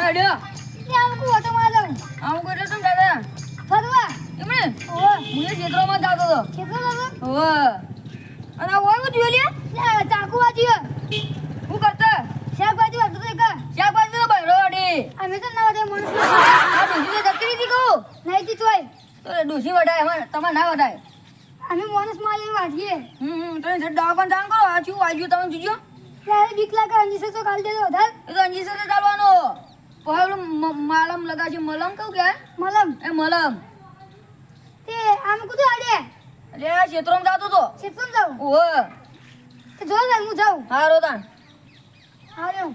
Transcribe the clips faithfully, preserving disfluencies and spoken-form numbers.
અડ્યો ને આમ કો તો માં જાઉં આવું કરે તો દાદા ફરવા એમણે ઓ હું એ ક્ષેત્રમાં જાતો હતો કેટલો લાગો ઓવે અને આ ઓય જોઈ લે લે ચાકુ વાજી હું કરતા શાકભાજી વાળતો તો કા શાકભાજી તો બૈરો અડી અમે તો ના વધે મણસ આ ડોસી તો જકરી હતી કહું નહીં જીતવાય તો ડોસી વડાય હવે તમારે ના વડાય અમે મણસ માં આવીને વાજીએ હમ હમ તમે જટ દવાખાને જાણ કરો આ શું વાગ્યું તમે જોજો ત્યારે બીક લાગે અંજીસે તો કાલ દેજો વધાર એ તો અંજી સાથે ચાલવાનો પહેલું માલમ લગાશે મલમ કહું કે મલમ એ મલમ તે આમ કુદું આડે એટલે આ ક્ષેત્રમાં જાતો તો શેતમ જાઉં ઓવે તે જો લે હું જાઉં હારો તાણ આવ્યો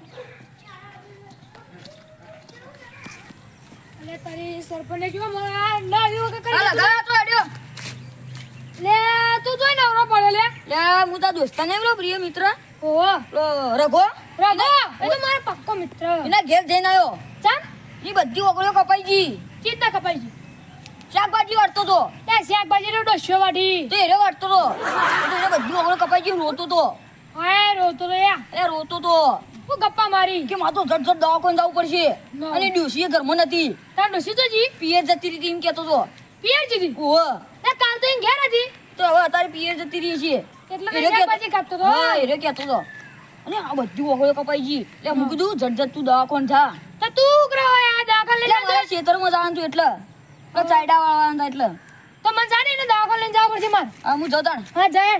અલે તારી સરપંચે જો મારા ના આવ્યો કે કરી આ લગા તો અડ્યો લે તું જોઈ નવરો પડ્યો લે લે હું તાર દોસ્તાને એવલો પ્રિય મિત્ર ઓહો પેલો રઘો રઘો એ તો મારો પક્કો મિત્ર એના ઘેર જઈને આવ્યો ચાલ એ બધી ઓગળીઓ કપાઈ ગઈ ચિંતા કપાઈ ગઈ શાકભાજી વાટતો તો તે શાકભાજી નો ડોસ્યો વાઢી તો એને વાટતો તો તો એને બધી ઓગળીઓ કપાઈ ગઈ રોતો તો હાય રોતો તો યા એ રોતો તો હું ગપ્પા મારી કે માતો ઝટ ઝટ દવાખાને જવું પડશે ના. અને ડોશી ઘરમાં નથી તાર ડોસી તો જી પિયર જતી રહી એમ કહેતો તો પિયર જીધી ઓહ તે કાલ તો એમ ઘેર હતી તો હવે અત્યારે પિયર જતી રહી છે એટલે એને કહેતો- શાકભાજી કાપતો તો હા એને કહેતો તો અને આ બધી ઓગળીઓ કપાઈ ગઈ એટલે હું કીધું ઝટ ઝટ તું દવાખાને જા તો તું ઉઘરો યા દાખલ લઈ એટલે મારે ખેતરમાં જવાનું હતું એટલે એટલે ચાયડા વાળવાનું હતા એટલે તો મને જાને એને દાખલ લઈને જવા પડશે માર હા હું જતાણ હા જાય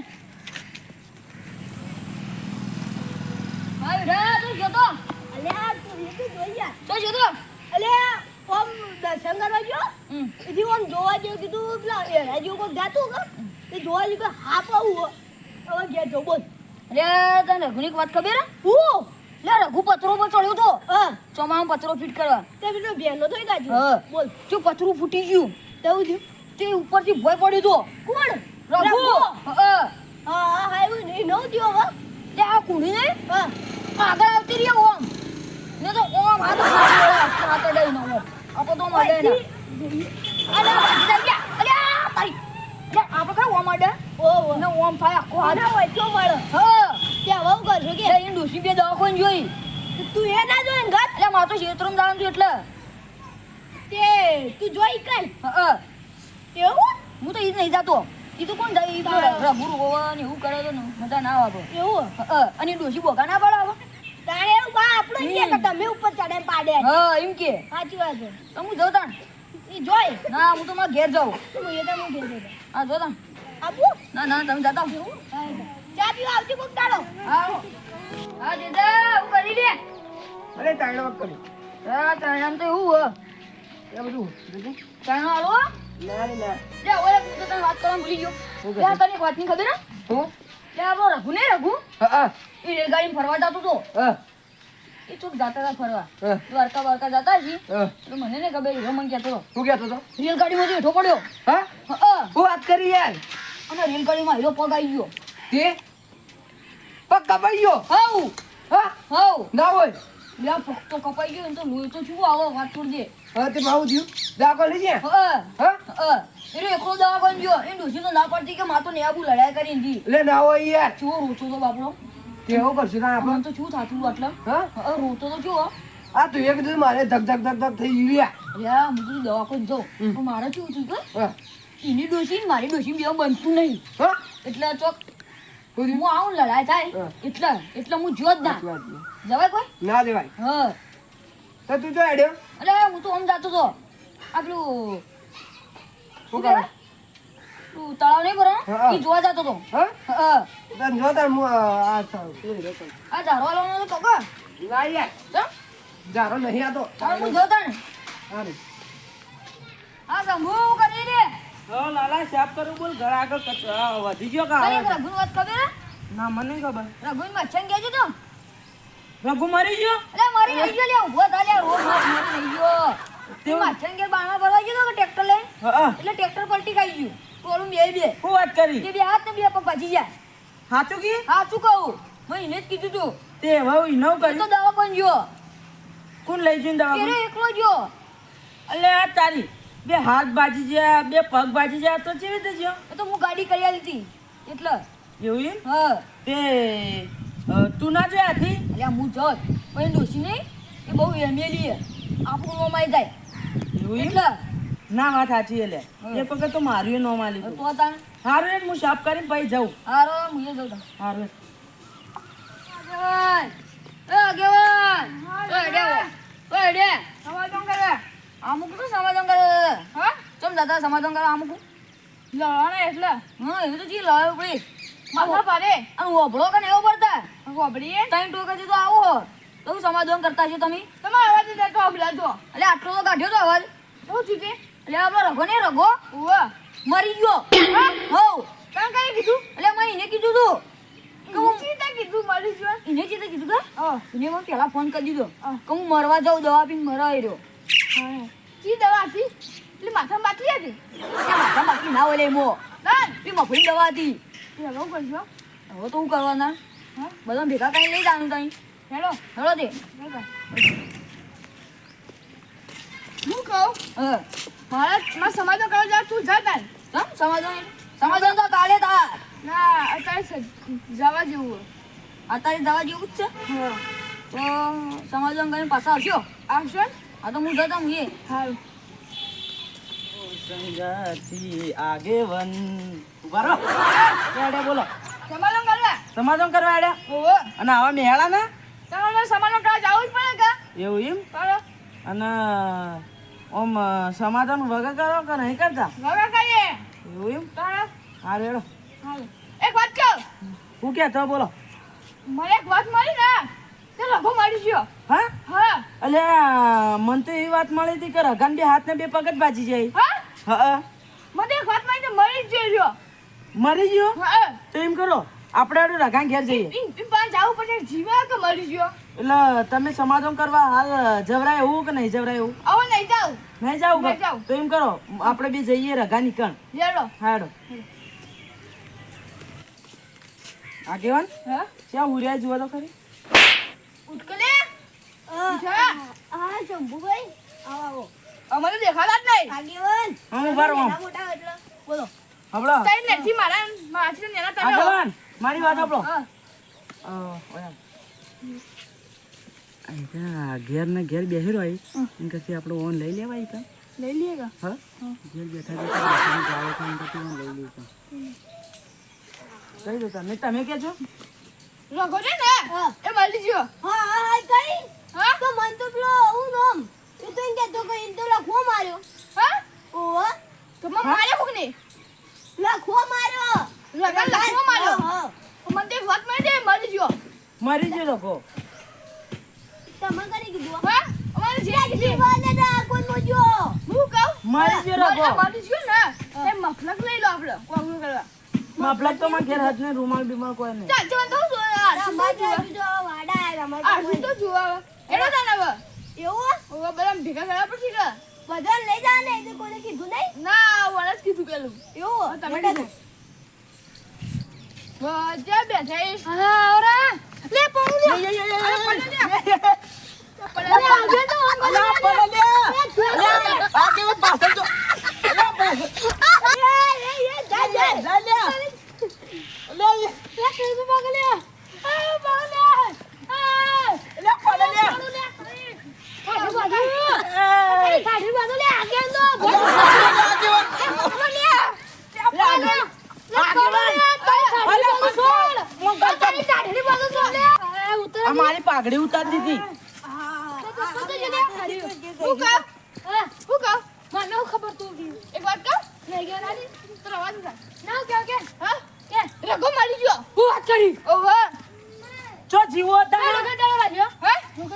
હા બેટા તું જતો અલ્યા તું લીધું જોઈયા તો જતો અલ્યા ઓમ દર્શન કરવા ગયો હમ એથી ઓમ જોવા જેવું કીધું પેલા એરા જેવું કોઈ જાતું કે તે જોવા જેવું કે હા પાવું હવે ઘેર જો બોલ અરે તને રઘુની એક વાત ખબર હે હું લે રઘુ પથરો પર ચડ્યો તો હા ચોમામાં પથરો ફિટ કરવા તે પેલો બેનો થઈ ગાજો હા. બોલ જો પથરું ફૂટી ગયું તેવું થયું તે ઉપરથી ભોય પડ્યો તો કોણ રઘુ રઘુ? હા હા હા હા એવું નહીં નવ થયો હવે તે આ કુડી ને હા આગળ આવતી રહી ઓમ ને તો ઓમ હાથ હાથ અડાઈ ન ઓમ આપો તો મળે ને અલે બાકી થઈ ગયા અલે આ તારી લે આપણે કઈ ઓમ અડે ઓહો ને ઓમ થાય આખો હાથ આના હોય તો મળે હા ત્યાં વહુ કરશો કે લે એ ડોસી બે દવાખાને જોઈ તું એ ના જોઈ ગત એટલે મારે તો ક્ષેત્રમાં જવાનું હતું એટલે તે તું જોઈ કઈ હા એવું હું તો ઈ જ નહીં જાતો ઈ તો કોણ જાય ઈ તો રઘુ રોવા ને એવું કરે તો ને મજા ના આવે એવું હા અને ડોસી બોકા ના પડે હવે તારે એવું બા આપણો કે કે તમે ઉપર ચડે પાડે હા એમ કે સાચી વાત છે તો હું જાઉં તાણ ઈ જોઈ ના હું તો મારા ઘેર જાઉં તું એ તો હું ઘેર જતો હા જો તાણ આપું ના ના તમે જતા આવો. ચા પીવા આવજો કોક દાડો આવો હા દીદા હું કરી લે અરે તાળો વાત કરી હા તાણ તો એવું હો એ બધું તાણ હાલો ના રે ના લે ઓય હું તો તને વાત કરવાનું ભૂલી ગયો શું લે તને એક વાતની ખબર હે હું લે આપણો રઘુ ને રઘુ હા હા એ રેલગાડીમાં ફરવા જતો તો હા એ ચોક જતા હતા ફરવા હા દ્વારકા દ્વારકા જતા છી હા તો મને ને ખબર હીરો મને કહેતો હતો શું કહેતો તો રેલગાડીમાં હેઠો પડ્યો હા હા હું વાત કરી યાર અને રેલગાડીમાં હીરો પગ આવી ગયો તે પગ કપાઈ ગયો હાઉ હા હાઉ ના હોય લે પગ તો કપાઈ ગયો ને તો લોહી તો શું આવો વાત છોડજે હા તે ભાવ થયું દાખલ લઈ ગયા હા હા હા એનો એકલો દવાખાને ગયો એ ડોસી તો ના પડતી કે માતો નેબુ લડાઈ કરીને જી એટલે ના હોય યાર ચો રોતો તો બાપડો કેવું કરશું ના મને આપણે તો શું થાતું આટલા હા હા રોતો તો જો આ તું એક દિવસ મારે ધક ધક ધક ધક થઈ ગયું યાર અરે હું કીધું દવાખાને જાઉં હમ. પણ મારે શું થયું કે હા એની ડોસી ને મારી ડોસી બે બનતું નહીં હા એટલે ચોક શું થયું? હું આવું ને લડાઈ થાય હા. એટલે એટલે હું જો જ ના સાચી વાત છે. જવાય કોઈ ના દેવાય હા તો તું જો હેડ્યો અરે હું તો આમ જાતો તો આ પેલું શું કહેવાય? કરે પેલું તળાવ નહીં ભરાણું? હા. ઈ જોવા જાતો તો હા હા તને જો તાર હું આ આ સાવ- શું હેડ્યો તને? આ ઝાડવા લાવવાનો તો કાકા ના યાર ચમ જારો નહીં આતો હવે હું જોતા ને હા રે આ શંભુ કરી રે હા લાલા સાફ કરું બોલ ઘર આગળ કચ- આ વધી ગયો કા કઈ એક રઘુની વાત ખબર હે? ના મને નહીં ખબર રઘુની મચ્છન કહેજો તો રઘુ મરી ગયો અરે મારી રહી ગયો લે ઊભો થા લે રોજ રોજ મારી રહી ગયો તે મચ્છન કે બાણા ભરવા ગયો તો કે ટ્રેક્ટર લઈને હા એટલે ટ્રેક્ટર પલટી ખાઈ ગયું ટોળું બે બે શું વાત કરી તે બે હાથ ને બે પગ ભાજી જાય સાચું કી હા શું કહું મેં એને જ કીધું તું તે હવે ઈનો એ તો કરી દવા પણ ગયો કોણ લઈ જઈને દવા એને એકલો ગયો અલે આ તારી બે હાથ બાજી ગયા બે પગ બાજી ગયા તો કેવી રીતે ગયો એ તો હું ગાડી કરી આલી હતી એટલે એવું એમ હા તે અ, તું ના જોયા હતી એટલે હું જોત પણ ડોસી નહીં એ બહુ એમેલી હે આપણું નોમ આવી જાય એવું એમ? એટલે ના વાત સાચી એટલે હા. એક વખત તો મારું નો માલી તો તાણ સારું એટલે હું સાફ કરીને પછી જાઉં હારો હું એ જઉં તાણ. સારું આગેવાન એ આગેવાન ઓય ડે ઓય ડે સમાધાન કરે અમુક તો સમાધાન કરે હા ચમ દાદા સમાધાન કરે અમુક લડવાના એટલે હા એવું તો જી લાવ્યો ભાઈ માથા પાડે અને ઓભળો કે એવો પડતા ગોબડીએ ટાઈમ ટોકાથી તો આવો હો તો હું સમાધાન કરતા છો તમે તમારો અવાજ જ તો અબલાતો એટલે આટલો તો કાઢ્યો તો અવાજ શું થયું તે એટલે આપણો રઘો ને રઘો ઉવા મરી ગયો હા હો તમે કઈ કીધું એટલે મેં એને કીધું તું કે હું ચીતા કીધું મરી ગયો એને ચીતે કીધું કે હા એને મને પહેલા ફોન કરી દીધો હા. કે હું મરવા જાઉં દવા પીને મરવા આવ્યો ચી દવા હતી એટલે માથા બાકી હતી ત્યાં માથા બાકી ના હોય લે મો ના એ મફળી દવા હતી હેલો કરજો હવે તો હું કરવાના હા બધા ભેગા કઈ લઈ જવાનું તઈ હેલો હેલો તે હું કહું હા મારા માં સમાધાન કરવા જા તું જા તાર ચમ સમાધાન સમાધાન તો કાલે તાર ના અત્યારે સ- જવા જેવું અત્યારે દવા જેવું જ છે હા તો સમાધાન કરીને પાછા આવશો આવશો ને? હા તો હું જતા હું એ હારું સંગાથી આગેવન ઉભા રહો એડે બોલો સમાધાન કરવા સમાધાન કરવા એડે ઓહો અને આવા મેળા ના તમારે સમાધાન કરવા જવું જ પડે કા એવું એમ બરો અને ઓમ સમાધાન વગર કરો કે નહીં કરતા વગર કહીએ એવું એમ તારા હારું હેડો હારું એક વાત કહું હું કે તો બોલો મને એક વાત મળી ને તે લઘુ મળી ગયો હા હા એટલે મને તો એવી વાત મળી હતી કે રગાન બે હાથ ને બે પગ જ બાજી જાય હા હા મને એક વાત મળી તો મળી જ ગયો મરી ગયો હા તો એમ કરો આપણે હારું રગાન ઘેર જઈએ ઈ ઈ પાન જાવું પડે જીવા કે મરી ગયો એટલે તમે સમાધાન કરવા હાલ જવરાય એવું કે નહીં જવરાય એવું હવે નહીં જાવ નહીં જાવ નહીં જાઉં. તો એમ કરો આપણે બે જઈએ રગાની કણ લેડો હાડો આગેવાન હા ક્યાં ઉર્યા જુઓ તો ખરી ઉઠકલે જા હા શંભુભાઈ આવો આવો અમારે દેખાતા જ નહીં આગેવાન હું ઉભા રહો આમ. નાના મોટા એટલે બોલો હબળો તઈ નથી મારા માછી નેના તમે આગેવાન મારી વાત હબળો હા ઘેર ને ઘેર બેસી રહ્યો એમ કે આપણે ઓન લઈ લેવાય કા લઈ લઈએ કા હા ઘેર બેઠા બેઠા ગાળો ખાઈને પછી ઓન લઈ લઈશું કઈ દો તમે તમે કે છો રઘો છે ને હા. એ મળી ગયો હા હા હા કઈ હા તો મન તો પેલો હું નામ એ તો એમ કહેતો કે એમ તો લખવો માર્યો હા ઓહો તો મને માર્યો કોક ને લખવો માર્યો રઘો લખવો માર્યો હા, હા. મને તો એક વાત મળી દે મળી ગયો મરી ગયો લોકો તમે કરી કીધું હા અમારે જે કીધી જીવાને ના કોઈ મોજો હું કહું મરી ગયો લોકો મળી ગયો ને એ મફલક લઈ લો આપણે કોંગો કરવા માફલક તો મને ઘેર હાથ ને રૂમાલ બીમાલ કોઈ નહીં ચાલ ચાલ તો આ રમાજો બીજો વાડા રમાજો આ તો જુઓ એનો જાન હવે એવું હવે બધા ભેગા કરવા પડશે કે બધા લઈ જા ને એ તો કોઈને કીધું નહીં ના વરસ કીધું પેલું એવું તમે બેટા કીધું. વજા બેઠા એ હા ઓરા લે પડું લે અરે પડું લે પડું લે આજે તો અલા પડે લે અલા આગેવાન પાછળ જો અલા પાછળ એ એ જા જા લે લે લે લે કઈ બગલે આ બગલે આ લે પડે લે કાઢી બાજુ એ કાઢી બાજુ લે આગે નો આગેવાન આ મારી પાઘડી ઉતારી દીધી ચો જીવો હતા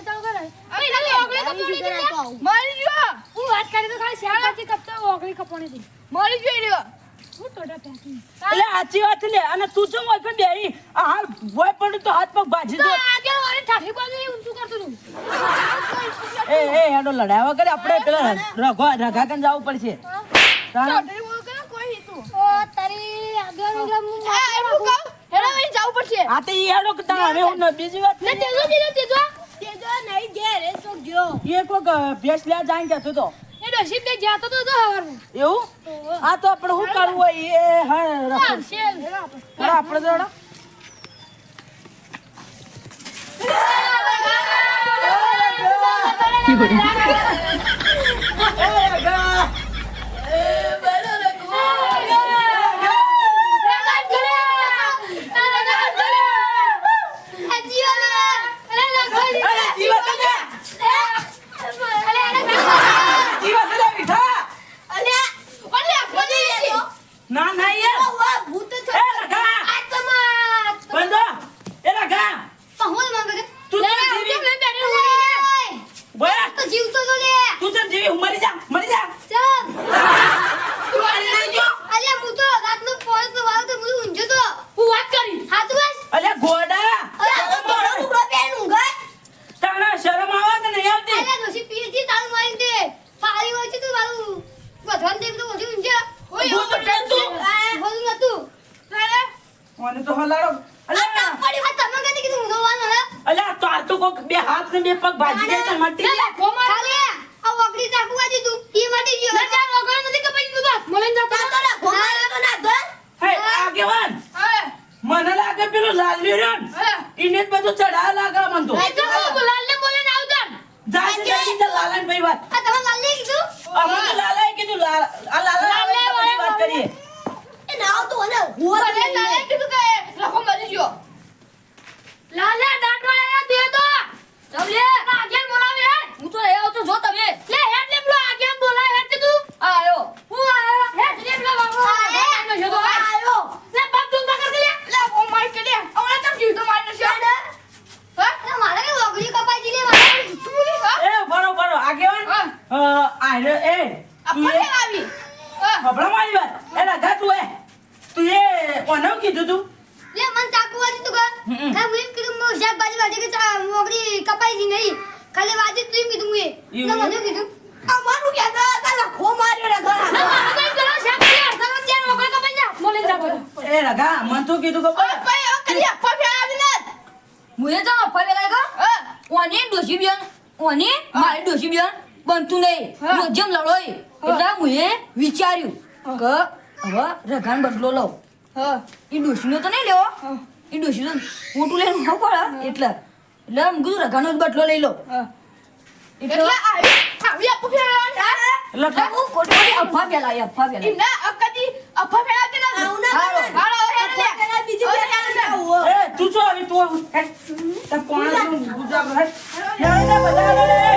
એટલે સાચી વાત લે અને તું ચમ હોય કે બેહી આ હાલ ભોય પડ્યું તો હાથ પગ ભાજી દો એ એ હેડો લડાવા કરે આપણે પેલા રઘો રઘા કન જવું પડશે તાણ જવું પડશે આ તો ઈ હેડો કે તાણ હવે હું ન- બીજી વાત ને નહીં. તેજો તેજો તેજો તેજો નહીં ઘેર એ તો ગયો એ કોક ભેંસ લ્યા જાય કહેતો તો એ ડોશી બે જાતો તો તો હવારમાં એવું આ તો આપણે શું કરવું હોય એ હા રખો. શેલ હેડો આપણે તો હેડો. એ ના ના યાર ભૂત એ લગા બંધો એ લગા તું તો જીવી બોય જીવતો તો લે તું તો જીવી હું મરી જા મરી જા ચાલ તું મરી નહીં ગયો અલ્યા હું તો રાતનો પોળો તો વાળો તો હું ઊંઘ્યો તો હું વાત કરી હાથ બસ અલ્યા ગોડા અલ્યા મોડો ટુકડો પહેન ઊંઘાય તને શરમ આવે કે નહીં આવતી અલ્યા દોશી પીએ છે તારું મારી દે પારી હોય છે તું મારું વધવાન દે તો વધુ ઊંઘ્યા હું તો ટેન્શન વધુ નતું મને તો હલાડો અલ્યા પડી વાત તમે કદી કીધું ઊંઘવાનું હે અલ્યા તો આ તો કોક બે હાથ ને બે પગ ભાજી જાય તો મટી જાય ખાલી આ વગડી ચાકુ વાજી તું ઈ મટી ગયો ના ચાલ વગર નથી કપાઈ ગયું તો મને જતો તો ના ઘોમારે તો ના ધર હે આગેવાન હવે મને લાગે પેલું લાલ્યું રહ્યો ને હવે ઈને જ બધું ચઢાવ લાગે મન તો એ તો હું ગુલાલ ને બોલે ના આવતા જા જા જા લાલન ભાઈ વાત આ તમે લાલી કીધું અમે તો લાલાએ કીધું લાલ આ લાલા લાલે આવે તો બધી વાત કરીએ એ ના તો અને હુવા મને લાલે કીધું કે લખો મરી ગયો લાલે દાંટવાળા દે તો તમને આગેન બોલાવે હે હું તો એ આવતો જો તમે લે હેડ લે પેલો આગેન બોલાવે હેડ તું આયો હું આયો હેડ લે પેલો બાબુ આયો જો તો આયો લે બાપ તું પકડ લે લે ઓ માર કે લે હમણાં તમ જીવ તો માર નશે હે મારે કે વગડી કપાઈ દીલે મારે તું બોલી હા એ બરો બરો આગેવાન હા. અ આરે એ આ તું કોને એ આવી હા ખબરા મારી વાત એ રાધા તું એ તું એ કોને કીધું તું લે મન ચાકુ વાજી તું કર હમ. હા હું એમ કીધું મો શાકભાજી વાજે કે ચા વગડી કપાઈ દી નહીં ખાલી વાજી તું એમ કીધું હું એ એવું? ના મને કીધું આ મારું કે ના તાલા ખો માર્યો રે ઘરા ના મારું કઈ કરો શાકભાજી તમે ચાર વગર કપાઈ જા બોલે જા બોલો એ રાધા મન તો કીધું કે ઓય ભાઈ આ કરી આપા ફેરા આવી ને મુએ તો અફા વેલા ગયો હા ઓની ડોશી બેન ઓની મારી ડોશી બેન બનતું નહીં હા. રોજમ લડોય એટલે મુએ વિચાર્યું કે હવે રઘાન બદલો લઉં હા એ ડોશીનો તો નહીં લેવો એ ડોશીનો મોટું લઈને ન પડે એટલે એટલે આમ કીધું રઘાનો જ બદલો લઈ લો હા એટલે એટલે આવી આવી આપા ફેરા આવી એટલે એટલે હું ખોટી ખોટી અફવા ફેલાવી અફવા ફેલાવી ઇના અકદી આપા ફેરા કે ના આવું ના હાલો. કરે. હાલો હેડ લે પેલા બીજું ઓય, પેલા હેડ લે. આવું એ તું છો આવી તું હેડ. તે કોણ છે? ગુજરાત હેડ. હેડ, હેડ, બધા હેડ, હેડ.